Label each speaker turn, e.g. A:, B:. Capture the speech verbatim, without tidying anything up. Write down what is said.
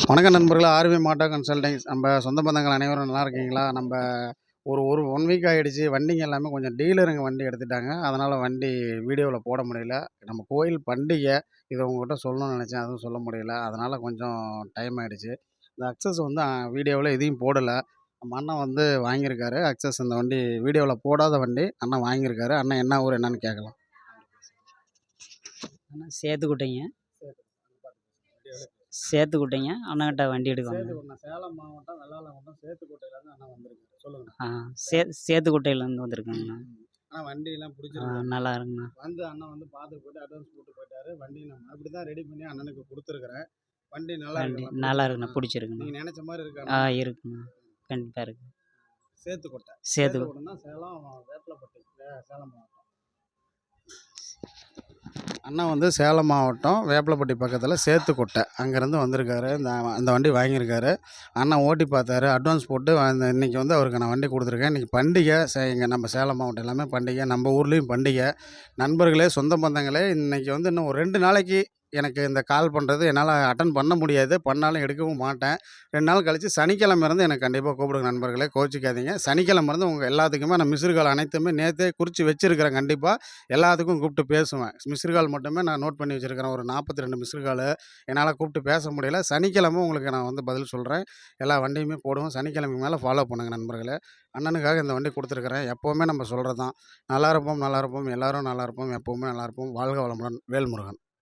A: வணக்கம் நண்பர்களே, ஆர்வி மாட்டா கன்சல்டிங்ஸ். நம்ம சொந்த பந்தங்கள் அனைவரும் நல்லா இருக்கீங்களா? நம்ம ஒரு ஒரு ஒன் வீக் ஆகிடுச்சு. வண்டிங்க எல்லாமே கொஞ்சம் டீலருங்க வண்டி எடுத்துட்டாங்க. அதனால் வண்டி வீடியோவில் போட முடியல. நம்ம கோயில் பண்டிகை, இதை உங்கள்கிட்ட சொல்லணும்னு நினச்சேன், அதுவும் சொல்ல முடியல. அதனால் கொஞ்சம் டைம் ஆகிடுச்சு. இந்த அக்சஸ் வந்து வீடியோவில் எதையும் போடலை. நம்ம அண்ணன் வந்து வாங்கியிருக்காரு அக்சஸ். இந்த வண்டி வீடியோவில் போடாத வண்டி அண்ணன் வாங்கியிருக்காரு. அண்ணன் என்ன ஊர் என்னன்னு கேட்கலாம்.
B: அண்ணா சேத்துக்குட்டைங்க. சேத்துக்குட்டைங்க. அண்ணன்கிட்ட வண்டி எடுக்கணும்.
A: சேலம் மாவட்டம் வெள்ளாள மாவட்டம் சேத்துக்கோட்டையிலேருந்து அண்ணன் வந்திருக்கு. சொல்லுங்க.
B: ஆ சே சேத்துக்குட்டையிலேருந்து வந்திருக்கேங்கண்ணா.
A: ஆனால் வண்டியெல்லாம் பிடிச்சிருக்கு.
B: நல்லா இருக்குண்ணா.
A: வந்து அண்ணன் வந்து பார்த்து போட்டு அட்வான்ஸ் போட்டு போயிட்டாரு. வண்டி நான் அப்படி தான் ரெடி பண்ணி அண்ணனுக்கு கொடுத்துருக்குறேன். வண்டி நல்லா
B: வண்டி
A: இருக்கு.
B: நல்லா இருக்குண்ணா, பிடிச்சிருக்குண்ணா.
A: நீங்கள் நினச்ச மாதிரி இருக்கா?
B: ஆ இருக்குண்ணா, கண்டிப்பாக இருக்கு.
A: சேத்துக்கோட்டை
B: சேத்துக்கோட்டைன்னா
A: சேலம் வேப்பலப்பட்டி, சேலம் மாவட்டம். அண்ணா வந்து சேலம் மாவட்டம் வேப்பலப்பட்டி பக்கத்தில் சேத்துக்கோட்டை அங்கேருந்து வந்திருக்காரு. இந்த அந்த வண்டி வாங்கியிருக்காரு. அண்ணன் ஓட்டி பார்த்தாரு, அட்வான்ஸ் போட்டு அந்த இன்றைக்கி வந்து அவருக்கு நான் வண்டி கொடுத்துருக்கேன். இன்றைக்கி பண்டிகை. சே இங்கே நம்ம சேலம் மாவட்டம் எல்லாமே பண்டிகை, நம்ம ஊர்லேயும் பண்டிகை. நண்பர்களே, சொந்த பந்தங்களே, இன்றைக்கி வந்து இன்னும் ஒரு ரெண்டு நாளைக்கு எனக்கு இந்த கால் பண்ணுறது என்னால் அட்டன் பண்ண முடியாது. பண்ணாலும் எடுக்கவும் மாட்டேன். ரெண்டு நாள் கழித்து சனிக்கிழமை இருந்து எனக்கு கண்டிப்பாக கூப்பிடுங்க நண்பர்களே, கோச்சிக்காதீங்க. சனிக்கிழமை இருந்து உங்கள் எல்லாத்துக்குமே நான் மிஸ்டு கால் அனைத்துமே நேற்றே குறித்து வச்சுருக்கிறேன். கண்டிப்பாக எல்லாத்துக்கும் கூப்பிட்டு பேசுவேன். மிஸ்டு கால் மட்டுமே நான் நோட் பண்ணி வச்சுருக்கிறேன். ஒரு நாற்பத்தி ரெண்டு மிஸ்டு கால் என்னால் கூப்பிட்டு பேச முடியல. சனிக்கிழமை உங்களுக்கு நான் வந்து பதில் சொல்கிறேன். எல்லா வண்டியுமே போடுவோம். சனிக்கிழமை மேலே ஃபாலோ பண்ணுங்கள் நண்பர்களே. அண்ணனுக்காக இந்த வண்டி கொடுத்துருக்குறேன். எப்போவுமே நம்ம சொல்கிறது தான், நல்லா இருப்போம் நல்லா இருப்போம், எல்லோரும் நல்லா இருப்போம், எப்போவுமே நல்லா இருப்போம். வாழ்க வளமுடன். வேல்முருகன்.